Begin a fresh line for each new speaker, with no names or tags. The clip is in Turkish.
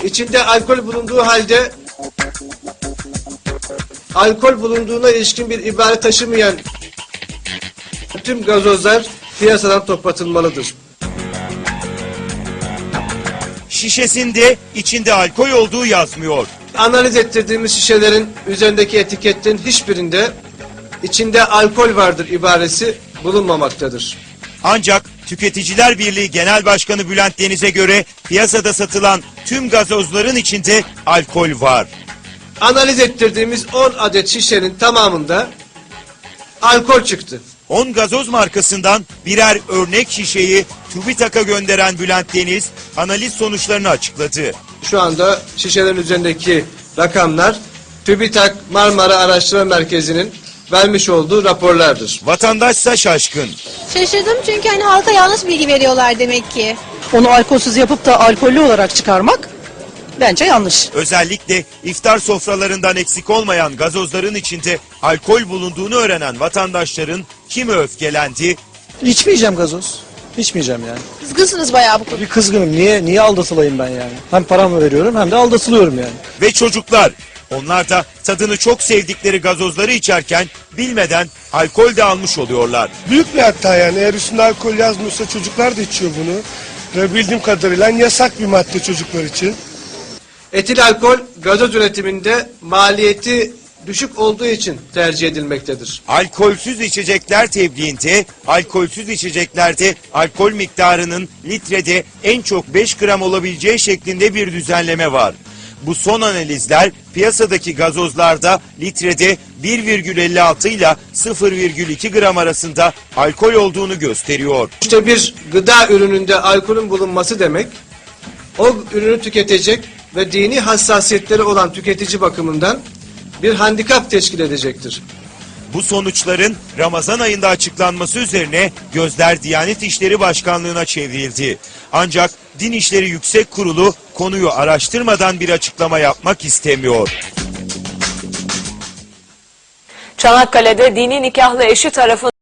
içinde alkol bulunduğu halde alkol bulunduğuna ilişkin bir ibare taşımayan tüm gazozlar piyasadan toplatılmalıdır.
Şişesinde içinde alkol olduğu yazmıyor.
Analiz ettirdiğimiz şişelerin üzerindeki etiketin hiçbirinde içinde alkol vardır ibaresi bulunmamaktadır.
Ancak Tüketiciler Birliği Genel Başkanı Bülent Deniz'e göre piyasada satılan tüm gazozların içinde alkol var.
Analiz ettirdiğimiz 10 adet şişenin tamamında alkol çıktı.
10 gazoz markasından birer örnek şişeyi TÜBİTAK'a gönderen Bülent Deniz analiz sonuçlarını açıkladı.
Şu anda şişelerin üzerindeki rakamlar TÜBİTAK Marmara Araştırma Merkezi'nin vermiş olduğu raporlardır.
Vatandaşsa şaşkın.
Şaşırdım çünkü hani halka yanlış bilgi veriyorlar demek ki.
Onu alkolsüz yapıp da alkollü olarak çıkarmak bence yanlış.
Özellikle iftar sofralarından eksik olmayan gazozların içinde alkol bulunduğunu öğrenen vatandaşların kimi öfkelendi,
İçmeyeceğim gazoz. İçmeyeceğim yani.
Kızgınsınız bayağı bu konuda.
Bir kızgınım. Niye aldatılayım ben yani? Hem paramı veriyorum hem de aldatılıyorum yani.
ve çocuklar. Onlar da tadını çok sevdikleri gazozları içerken bilmeden alkol de almış oluyorlar.
Büyük bir hata yani. Eğer üstünde alkol yazmıyorsa çocuklar da içiyor bunu. Ve bildiğim kadarıyla yasak bir madde çocuklar için.
Etil alkol gazoz üretiminde maliyeti düşük olduğu için tercih edilmektedir.
Alkolsüz içecekler tebliğinde, alkolsüz içeceklerde alkol miktarının litrede en çok 5 gram olabileceği şeklinde bir düzenleme var. Bu son analizler piyasadaki gazozlarda litrede 1,56 ile 0,2 gram arasında alkol olduğunu gösteriyor.
İşte bir gıda ürününde alkolün bulunması demek, o ürünü tüketecek ve dini hassasiyetleri olan tüketici bakımından bir handikap teşkil edecektir.
Bu sonuçların Ramazan ayında açıklanması üzerine gözler Diyanet İşleri Başkanlığı'na çevrildi. Ancak Din İşleri Yüksek Kurulu konuyu araştırmadan bir açıklama yapmak istemiyor.
Çanakkale'de dini nikahlı eşi tarafından